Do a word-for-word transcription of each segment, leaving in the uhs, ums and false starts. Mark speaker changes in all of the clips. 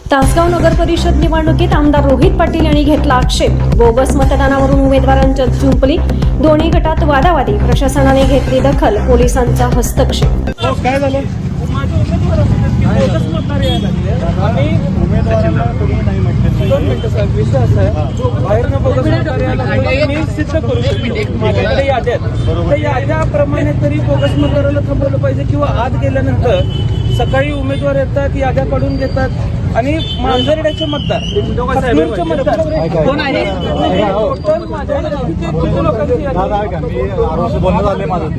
Speaker 1: तासगाव नगर परिषद निवडणुकीत आमदार रोहित पाटील यांनी घेतला आक्षेप. बोगस मतदानावरून उमेदवारांच्या जुंपली. दोन्ही गटात वादावादी. प्रशासनाने घेतली दखल. पोलिसांचा हस्तक्षेप.
Speaker 2: काय झालं? माझे उमेदवार बोगस मतदार यायला लागले आणि उमेदवारांना तुम्ही नाही म्हटले. दोन मिनिटं साहेब, विषय असा आहे, बाहेरनं बोगस मतदार यायला लागले मी सिद्ध करू शकतो. माझ्याकडे याद्या आहेत, त्या याद्याप्रमाणे तरी बोगस मतदाराला थांबवलं पाहिजे. किंवा आत गेल्यानंतर सकाळी उमेदवार येतात, याद्या काढून घेतात आणि मांजरड्याचे मतदार खतनूरचे मतदार कोण आहे? टोटल माझ्या किती लोकांची
Speaker 3: बोलणं झाले माझं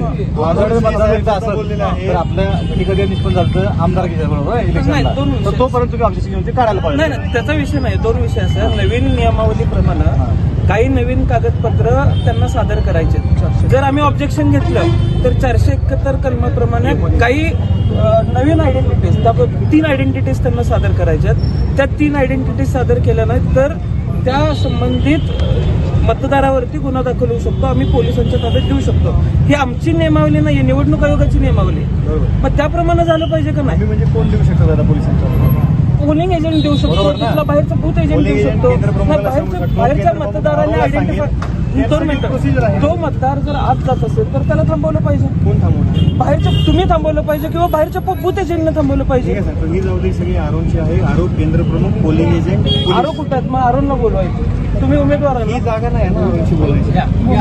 Speaker 3: तर आपल्या कधी निष्पन्न झालं आमदार बरोबर इलेक्शन तोपर्यंत तुम्ही ऑब्जेक्शन काढायला पाहिजे.
Speaker 2: नाही नाही, त्याचा विषय नाही. दोन विषय असं, नवीन नियमावलीप्रमाणे काही नवीन कागदपत्र त्यांना सादर करायचे. जर आम्ही ऑब्जेक्शन घेतलं तर चारशे एकाहत्तर कलमाप्रमाणे काही नवीन आयडेंटिटीज, तीन आयडेंटिटीज त्यांना सादर करायच्यात. त्या तीन आयडेंटिटीज सादर केल्या नाहीत तर त्या संबंधित मतदारावरती गुन्हा दाखल होऊ शकतो. आम्ही पोलिसांच्या ताब्यात देऊ शकतो. ही आमची नियमावली नाही, निवडणूक आयोगाची नियमावली. मग त्याप्रमाणे झालं पाहिजे का नाही?
Speaker 3: म्हणजे कोण देऊ शकतो दादा पोलिसांच्या?
Speaker 2: पोलिंग एजंट देऊ शकतो, तिथला बाहेरचा बूथ एजंट देऊ शकतो. बाहेरच्या बाहेरच्या मतदारांनी आयडेंटिफाय. दोन मिनिटं, जो मतदार जर आत जात असेल तर त्याला थांबवलं पाहिजे.
Speaker 3: कोण थांबवलं?
Speaker 2: बाहेरच्या तुम्ही थांबवलं पाहिजे किंवा बाहेरच्या बूथ एजंटने थांबवलं पाहिजे.
Speaker 3: ही जबाबदारी सगळी आरोनची आहे. आरो केंद्र प्रमुख, पोलिंग एजंट.
Speaker 2: आरो कुठं आहेत? मग आरोंना बोलवायचं. तुम्ही उमेदवार
Speaker 3: ही जागा नाही ना आरोनची बोलायची.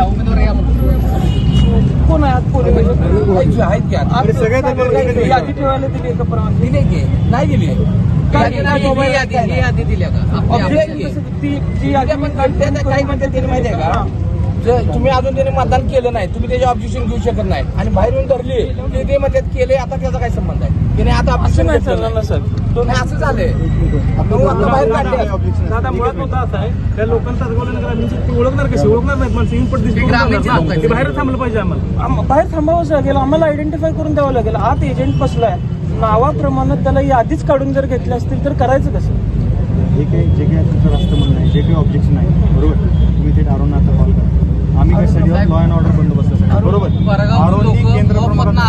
Speaker 2: कोण आहे आज पोलिंग एजंट?
Speaker 3: आहेत की सगळ्यात
Speaker 2: यादी ठेवायला दिली का परवानगी?
Speaker 4: नाही दिली. यादी दिल्या का?
Speaker 2: ती यादी
Speaker 4: काही म्हणतात त्याने माहिती आहे का? तुम्ही अजून त्याने मतदान केलं नाही, तुम्ही त्याचे ऑब्जेक्शन घेऊ शकत नाही आणि बाहेर येऊन धरली की ते म्हणतात केले. आता त्याचा काय संबंध आहे? त्याने आता ऑब्जेक्शन
Speaker 2: नाही चालणार ना सर.
Speaker 4: असं झालंय. बाहेर काढले.
Speaker 2: दादा मुळात मुद्दा असा आहे, त्या लोकांचा ती ओळखणार कशी? ओळखणार नाहीत माणसं. इनपुट दिसते बाहेर थांबलं पाहिजे. आम्हाला बाहेर थांबावंच लागेल. आम्हाला आयडेंटिफाय करून द्यावं लागेल. आत एजंट बसलाय, नावाप्रमाणे त्याला यादीच काढून जर घेतले असतील तर करायचं कसं?
Speaker 3: जे काही जे काही तुमचं रास्त म्हणणं आहे, जे काही ऑब्जेक्शन आहे, बरोबर, तुम्ही ते आरोना आता कॉल करा. आम्ही कशासाठी लॉ अँड ऑर्डर बंदोबस्तासाठी, बरोबर. आरोनी केंद्र प्रमुखाला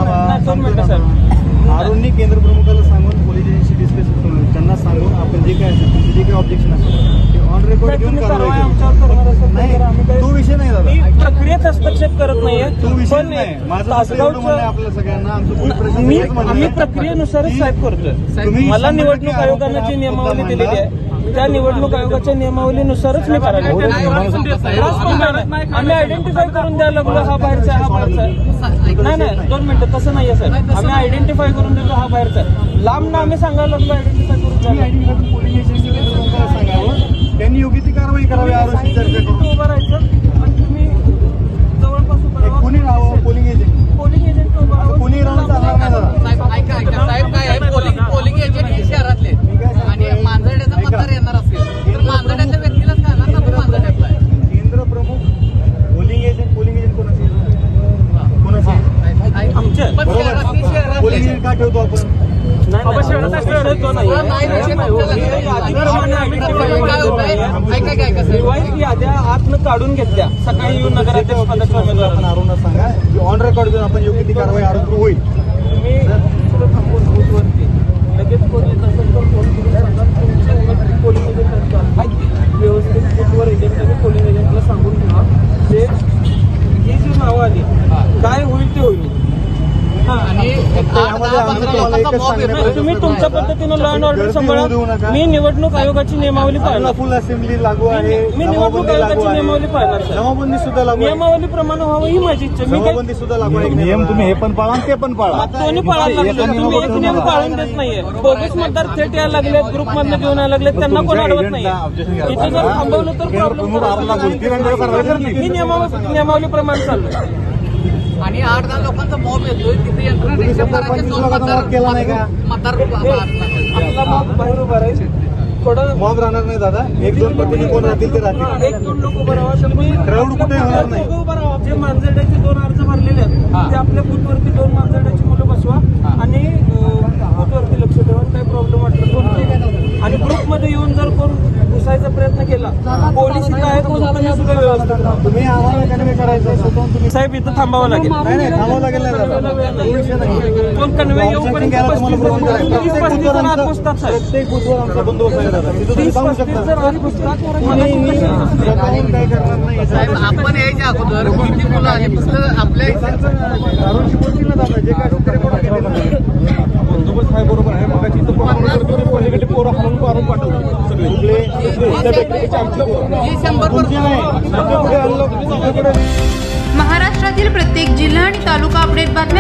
Speaker 3: आरोनी केंद्र प्रमुखाला सांगून पोलीस एजन्सी डिस्कस करून त्यांना सांगून आपण जे काय असेल तुमचे जे काही ऑब्जेक्शन असेल ते ऑन रेकॉर्ड घेऊन कारवाई नाही. तो विषय नाही दादा.
Speaker 2: मी प्रक्रियेत हस्तक्षेप करत नाहीये.
Speaker 3: तो विषय नाही. माझं आपल्या सगळ्यांना
Speaker 2: आम्ही प्रक्रियेनुसारच साहेब करतोय. मला निवडणूक आयोगाने जी नियमावली दिलेली आहे त्या निवडणूक आयोगाच्या नियमावलीनुसारच मी करायला. आम्ही आयडेंटिफाय करून द्यायला लागलो हा बाहेरचा हा बाहेरचा. नाही नाही, दोन मिनिटं, तसं नाहीये सर. आम्ही आयडेंटिफाय करून देतो हा बाहेरचा. लांब ना आम्ही सांगायला लागलो आयडेंटिफाय करून द्यायला.
Speaker 3: पोलिंग एजंट सांगावं, त्यांनी योग्य ती कारवाई करावी. आरोग्य चर्चा करून
Speaker 2: उभं राहायचं आणि तुम्ही जवळपास उभं राहा.
Speaker 3: कोणी राहावं? Polling agent.
Speaker 2: पोलिंग एजंट उभं राहावं.
Speaker 3: कोणी राहून चालणार नाही दादा.
Speaker 4: साहेब ऐका ऐका साहेब काय आहे, पोलिंग पोलिंग एजंट हे शहरातले आणि मांजरड्याचा मतदार येणार असेल तर मांजरड्याच्या व्यक्तीलाच करणार ना. तो मांजरड्यातला आहे.
Speaker 3: केंद्र प्रमुख, पोलिंग एजंट. पोलिंग एजंट कोणाचे कोणाचे
Speaker 2: आमच्या
Speaker 3: पोलिंग एजंट का ठेवतो आपण?
Speaker 2: याद्या आतनं काढून घेतल्या सकाळी येऊन नगराध्यक्ष पदाच्या उमेदवारांना
Speaker 3: आरोना सांगा की ऑन रेकॉर्ड घेऊन आपण योग्य ती कारवाई आरोग्य होईल.
Speaker 2: तुम्ही थांबून बूथवरती लगेच पोलीस असेल तर फोन करून सांगा. पोलिंग एजंट व्यवस्थित बूथवर एजंट पोलिंग एजंटला सांगून ठेवा जे ही जी नावं आली काय होईल ते होईल. तुम्ही तुमच्या पद्धतीनं लॉ अँड ऑर्डर सांभाळा. मी निवडणूक आयोगाची नियमावली पाळणार.
Speaker 3: फुल असेंब्ली लागू आहे.
Speaker 2: मी निवडणूक आयोगाची नियमावली पाळणार.
Speaker 3: जमाबंदी सुद्धा लागू आहे.
Speaker 2: नियमावलीप्रमाणे व्हावं ही माझी इच्छा. मी
Speaker 3: जमाबंदी सुद्धा लागू आहे. नियम तुम्ही हे पण पाळा ते पण पाळा.
Speaker 2: दोन्ही पाळायला लागले. तुम्ही एक नियम पाळून देत नाहीये. बोगस मतदार थेट यायला लागले, ग्रुप मधनं घेऊन यायला लागले, त्यांना कोण अडवत नाहीये. इथे जर थांबवलं तर प्रॉब्लेम. मी नियमावलीप्रमाणे चाललोय.
Speaker 4: आणि आठ दहा लोकांचा मॉब येतोय तिथे यंत्रणा रिक्षा करायचे दोन मतदार मतदार
Speaker 2: आपला मॉब बाहेर उभा राहील. थोडं
Speaker 3: मॉब राहणार नाही दादा. एक दोन पद्धती कोण राहतील ते राहतील.
Speaker 2: एक दोन लोक उभं राहा. तुम्ही
Speaker 3: क्राऊड कुठे होणार नाही.
Speaker 2: उभं राहा. जे मांजरड्याचे दोन अर्ज भरलेले आहेत ते आपल्या बूथवरती दोन मांजरड्याची मुलं बसवा आणि बूथवरती लक्ष ठेवा. काही प्रॉब्लेम वाटलं दोन आणि ग्रुपमध्ये येऊन जर कोण घुसायचा प्रयत्न केला. पोलीस इथं आहेत म्हणून तुम्ही सुद्धा व्यवस्थित राहा.
Speaker 3: तुम्ही आम्हाला कन्वे करायचं स्वतःहून तुम्ही
Speaker 2: साहेब इथं थांबावं लागेल.
Speaker 3: नाही नाही थांबावं लागेल नाही दादा. तो विषय नाही.
Speaker 2: कोण कन्वे येऊपर्यंत
Speaker 3: घ्यायला तुम्हाला
Speaker 2: पस्तीस
Speaker 3: बरोबर
Speaker 2: जण
Speaker 3: करायचं.
Speaker 2: तीस पस्तीस जण आत घुसतात साहेब.
Speaker 3: प्रत्येक बुथवर आमचा बंदोबस्त आहे दादा. तिथं तुम्ही
Speaker 2: तीस
Speaker 3: सांगू
Speaker 2: पस्तीस
Speaker 3: शकता.
Speaker 2: जण आत घुसतात.
Speaker 3: कोणी मी स्वतःहून काय करणार नाही याचा
Speaker 5: साहेब आपण यायच्या अगोदर किती मुलं आली फक्त आपल्या
Speaker 3: दारूची बोलतील ना दादा. जे काय असेल ते रेकॉर्ड केलेलं आहे.
Speaker 6: बंदोबस्त आहे बरोबर आहे. मग तिथं पलीकडे पोरं हाणून मारून पाठवले सगळे
Speaker 3: कुठले
Speaker 6: त्या व्यक्तीची आमची पोरं.
Speaker 5: हे शंभर
Speaker 3: तुमचे नाही तुमच्याकडे आणलं तुमच्याकडे
Speaker 7: महाराष्ट्रातील प्रत्येक जिल्हा आणि तालुका अपडेट बातमी